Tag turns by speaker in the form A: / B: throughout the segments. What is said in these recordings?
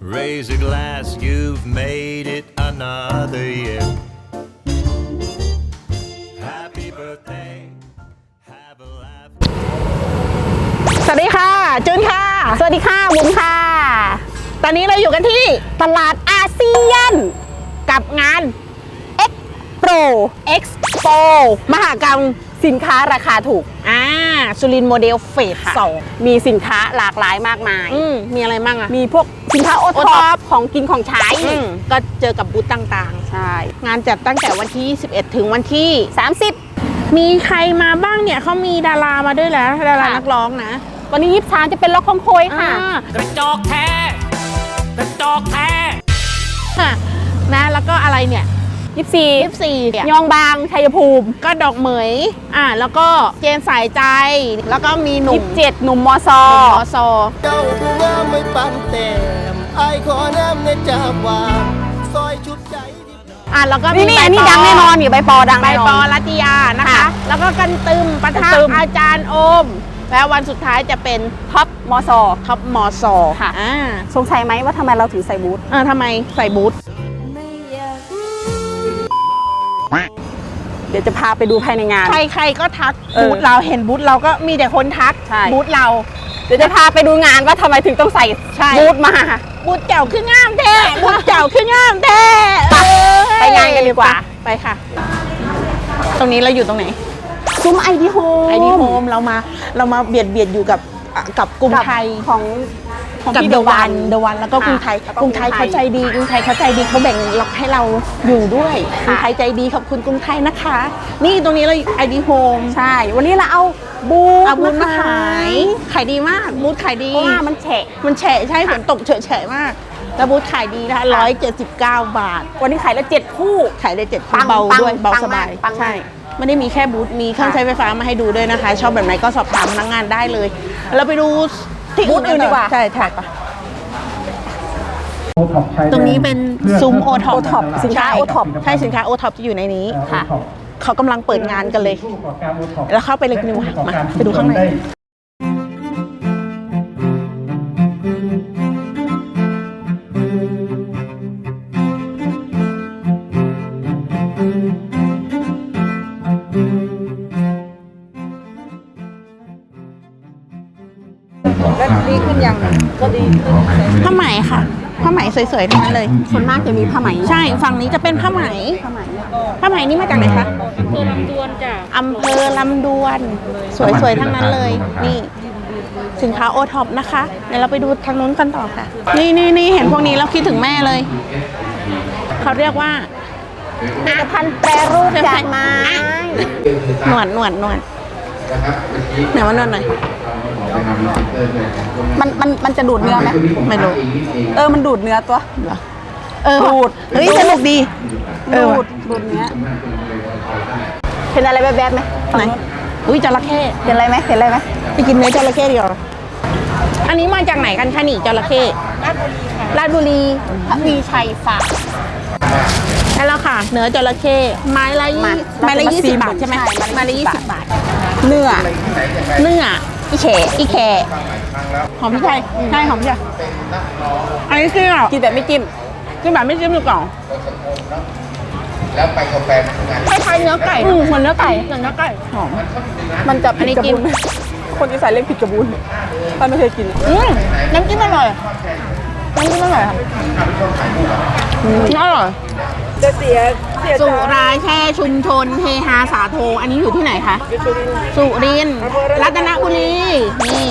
A: Raise a glass, you've made it another year. Happy birthday, have a laugh.
B: สวัสดีค่ะจุนค่ะสวัสดีค่ะบุ๋มค่ะตอนนี้เราอยู่กันที่ตลาดอาเซียนกับงาน Expo มหกรรมสินค้าราคาถูกสุรินทร์โมเดลเฟส 2มีสินค้าหลากหลายมากมายมีอะไรบ้างอะมีพวกสินค้าโอท็อปของกินของใช้ก็เจอกับบูธต่างๆใช่งานจัดตั้งแต่วันที่21ถึงวันที่30มีใครมาบ้างเนี่ยเขามีดารามาด้วยแล้วดารานักร้องนะวันนี้23จะเป็นล็อกของโคยค่ะ
C: กระจอกแท้กระจอกแท้
B: นะแล้วก็อะไรเนี่ย24ยองบางชัยภูมิก็ดอกเหมยแล้วก็เจนสายใจแล้วก็มีหนุ่ม27หนุ่มมซ
D: เจ้าผู้งามไม่ปันแต้มไอขอน้ำในจากว่าซอยชุดใจ
B: แล้วก็
E: นี่อันนี้ดังแน่นอนอยู่ใบปอดัง
B: ใบปอรัตยานะคะแล้วก็กันตึมปะทะอาจารย์โอมแล้ววันสุดท้ายจะเป็นท็อปมซ
E: ค่ะสงสัยไหมว่าทำไมเราถึงใส่บูท
B: ทำไมใส่บูท
E: เดี๋ยวจะพาไปดูภายในงาน
B: ใครก็ทักบูธเราเห็นบูธเราก็มีแต่คนทักบูธเรา
E: เดี๋ยวจะพาไปดูงานว่าทำไมถึงต้องใส่บูธมา
B: บูธเก่าขึ้นงามแท้บูธเก่าขึ้นงามแท้
E: ไปงานกันดีกว่า
B: ไปค่ะตรงนี้เราอยู่ตรงไหน
E: ซุ้มไอดีโฮ
B: มเรามาเบียดอยู่กับกรุงไทย
E: ของ
B: กับเดวันแล้วก็กรุงไทยเขาใจดีเขาแบ่งล็อกให้เราอยู่ด้วยกรุงไทยใจดีขอบคุณกรุงไทยนะคะนี่ตรงนี้เราไอดีโฮม
E: ใช่วันนี้เราเอาบูธ
B: มาขายดีมากบูธขายดี
E: เพราะว่ามันแฉะ
B: ใช่ฝนตกเฉะมากแล้วบูธขายดีนะคะ179 บาท
E: วันนี้ขายละ7คู่
B: ขายได้7คู่เบาด้วยเบาสบายใช่ไม่ได้มีแค่บูธมีเครื่องใช้ไฟฟ้ามาให้ดูด้วยนะคะชอบแบบไหนก็สอบถามพนักงานได้เลยเราไปดู
E: บูธอื่นดีกว่า
B: ใช่ถ่ายปะตรงนี้เป็นซุ้มโอท็อป
E: สินค้าโอท็อป
B: ใช่สินค้าโอท็อปจะอยู่ในนี้ค่ะเขากำลังเปิดงานกันเลยแล้วเข้าไปเลยนิวมาไปดูข้างใน
E: ดีขึ้นยังก็ดีขึ้น
B: ผ้าไหมค่ะผ้าไหมสวยๆทั้งนั้นเลย
E: ส่วนมากจะมีผ้าไหม
B: ใช่ฝั่งนี้จะเป็นผ้าไหมนี่มาจากไหนคะอำเภอลำดวนสวยๆทั้งนั้นเลยนี่สินค้าโอท็อปนะคะเดี๋ยวเราไปดูทางนู้นกันต่อค่ะนี่เห็นพวกนี้แล้วคิดถึงแม่เลยเขาเรียกว่า
E: ผลิตภัณฑ์แปรรูปจากไม้
B: หนวดไหนว่านวดหน่อย
E: มันจะดูดเนื้อไหม
B: ไม่รู้
E: มันดูดเนื้อตัว
B: ดูดเฮ้ยสนุกดี
E: ดูดเนื้อเห็นอะไรแบบไหม
B: ไหนอุ้ยจระเข้
E: เห็นอะไรไหม
B: ไปกินเนื้อจระเข้ดีกว่าอันนี้มาจากไหนกันคะนี่จระเข้ราชบุรี
E: มีชัยฟาร์ม
B: ใช่แล้วค่ะเนื้อจระเข้ไม้ละ20 บาทใช่ไหมไม้ละ20 บาทเนื้ออีแขหอมพริกไทยใช่หอมพริกไทยอันนี้กินแบบไม่จิ้มดูก่อน
D: แล้วไปกาแฟ
B: คล้ายๆเนื้อไก่เหมือนเนื้อไก่หอม
E: มันจะผิดกระบุนคนที่ใส่เรียกผิดกระบุนป้าไม่เคยกิน
B: น้ำจิ้มอร่อยค่ะอร่อย
E: จะเสีย
B: สุราแช่ชุมชนเฮฮาสาโทอันนี้อยู่ที่ไหนคะสุรินทร์รัตนบุรีนี่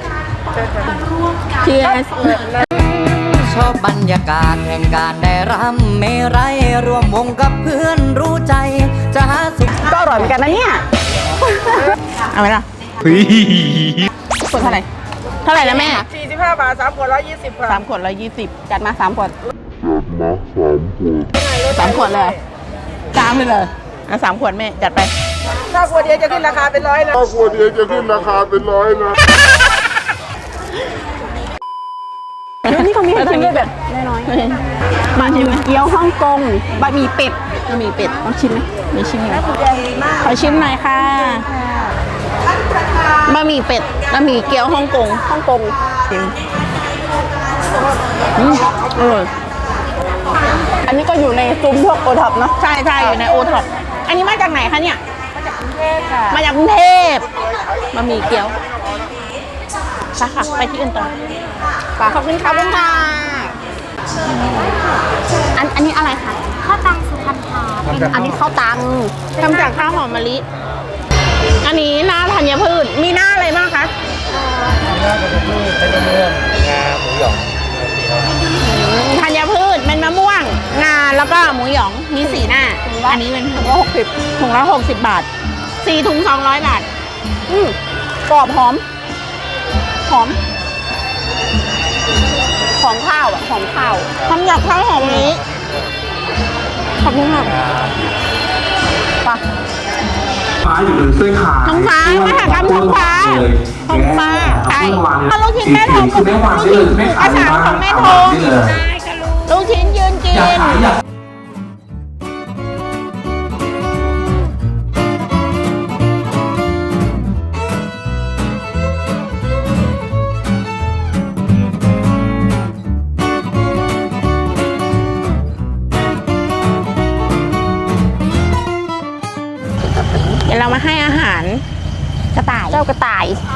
B: เชียร์
C: ชอบบรรยากาศแห่งการได้รำเมรัยรวมวงกับเพื่อนรู้ใจจะหาสุข
E: ก็อร่อยเหมือนกันนะเนี่ย
B: เอาไหมล่ะขวดเท่าไหร่นะแม่
E: 45 บาท3 ขวด120ค่ะ
B: 3 ขวด120
E: จัดมา3 ขวด
B: 3 ขวดเลย3เลย3 ขวดแม่จัดไป
E: ถ้าขวดเดียวจะขึ้นราคาเป็น100นะนี่เขามีให้ชิมด้วยแบบน้อยๆมาชิมเกี๊ยวฮ่องกงบะหมี่เป็ดต้องชิมไหม
B: มีชิมไหมขอชิมหน่อยค่ะบะหมี่เป็ดบะหมี่เกี๊ยวฮ่องกงชิม
E: อันนี้ก็อยู่ในซุ้มพวกโอท็อปเนาะ
B: ใช่ใช่อยู่ในโอท็อปอันนี้มาจากไหนคะเนี่ย มาจากกรุงเทพบะหมี่เกี๊ยวไปค่ะ ไปที่อื่นต่อขอบคุณค่ะอันนี้อะไรคะ
F: ข้าวตังสุพรรณค่ะ
B: อันนี้ข้าวตังทำจากข้าวหอมมะลิ อันนี้หน้าธัญพืช มีหน้าอะไรบ้างคะ ธัญพืชเป็นมะม่วง งา แล้วก็หมูหยอง มี4หน้า อันนี้เป็นถุงละ60ถุงละ60 บาท 4 ถุง 200 บาท
E: กรอบหอมข้าวอ่ะหอมข้าว
B: ทำจากข้าวหอมมะลิขอบคุณค่ะ
G: ฟ้าอยู่บนเส้นขา
B: ท้องฟ้ามหากรรมท้องฟ้าท้องฟ้าใช่ถ้าลูกชิ้นแม่ทอง
G: คือแม่วางได้เลยแม่ขาย
B: ภาษาของแม่ทงลูกชิ้นยืนกิน
G: อยากขายอยาก
B: เดี๋ยวเรามาให้อาหารกระต่าย
E: เจ้ากระต่าย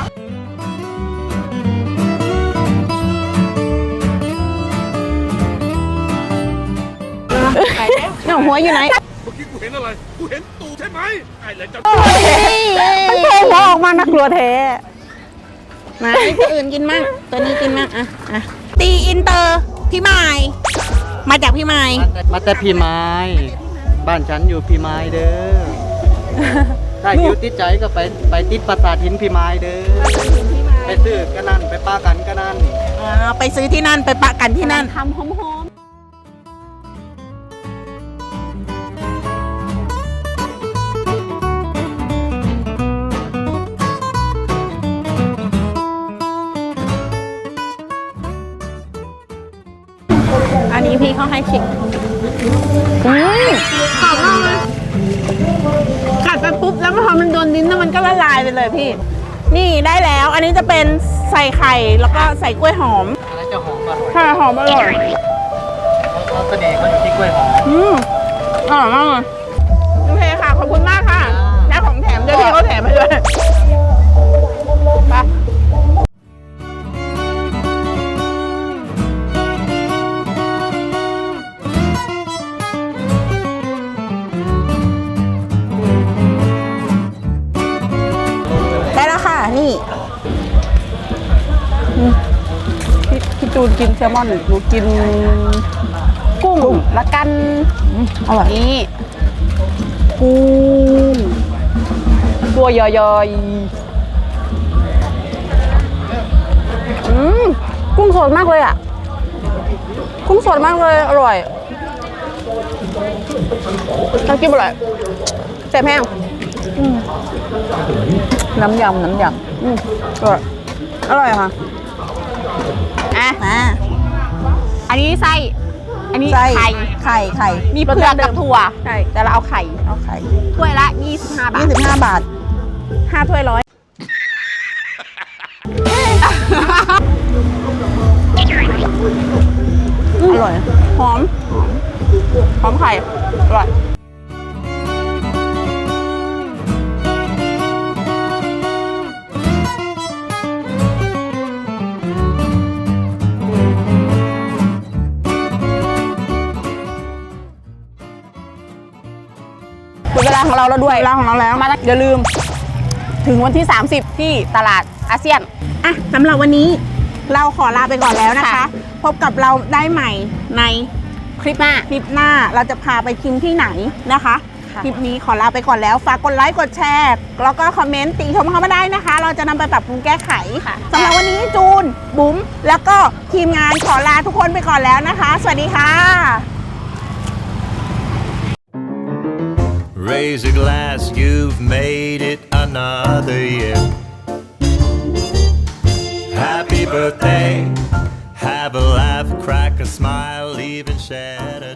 B: หนูหัวอยู่ไหน
H: กูเห็นอะไร กูเห็นตูใช่ไหมไอ้เลยจะ
E: มันโผล่หัวออกมาน่ากลัวแท้
B: มาให้ตัวอื่นกินมั่งตัวนี้กินมั่งอ่ะตีอินเตอร์พี่ไม้มาจากพี่ไม้
C: มาแต่พี่ไม้บ้านฉันอยู่พี่ไม้เด้อถ้าหิวติดใจก็ไปติดปราสาทหินพี่ไม้เด้อไปซื้อกันนั่นไปป้ากันกันนั่น
B: ไปซื้อที่นั่นไปปะกันที่นั่น
E: ทำหอม
B: อันนี้พี่เขาให้ชิมหอมมากเลยกัดไปปุ๊บแล้วพอมันโดนลิ้นแล้วมันก็ละลายไปเลยพี่ นี่ได้แล้ว อันนี้จะเป็นใส่ไข่แล้วก็ใส่กล้วยหอม
C: อะไรจะหอมอร่อย
B: ค่ะหอมอร่อย
C: เขาเสน่ห์เขาอยู่ที่กล้วยหอม
B: อร่อยมากเลยโอเคค่ะ ขอบคุณมากค่ะ ได้ของแถมด้วยพี่เขาแถมมาด้วยไปได้แล้วค่ะ นี่
E: พี่จูนกินแซลมอนหนูกินกุ้งละกันอร่อย
B: นี่
E: กุ้งตัวใหญ่ๆกุ้งสดมากเลยอ่ะ กุ้งสดมากเลย อร่อยน้ำจิ้มอร่อยแซ่บแห้งน้ำยำอร่อยอร่อยค่ะ
B: อันนี้ไส้ อันนี้
E: ไส้
B: ไข่
E: ไข่
B: มีเผือกกับถั่ว
E: ใช่
B: แต่เราเอาไข่ ถ้วยละ 25 บาท
E: 25 บาท
B: 5 ถ้วย100
E: อร่อย
B: หอม หอมไข่ อร่อย
E: ถึงเวลาของเราแล้วด้วย
B: เวลาของเราแล้ว
E: มาอย่าลืม ถึงวันที่ 30 ที่ตลาดอาเซียน
B: อ่ะสำหรับวันนี้เราขอลาไปก่อนแล้วนะคะ
E: ค่ะ
B: พบกับเราได้ใหม่ใน
E: คลิปหน้า
B: คลิปหน้าเราจะพาไปกินที่ไหนนะคะ
E: ค่ะ
B: คลิปนี้ขอลาไปก่อนแล้ว ฝากกดไลค์กดแชร์แล้วก็คอมเมนต์ติชมเข้ามาได้นะคะ เราจะนำไปปรับปรุงแก้ไขสำหรับวันนี้จูนบุ๋มแล้วก็ทีมงานขอลาทุกคนไปก่อนแล้วนะคะ สวัสดีค่ะ
A: Raise a glass, you've made it another year. Happy birthday, have a laugh, crack a smile, even shed a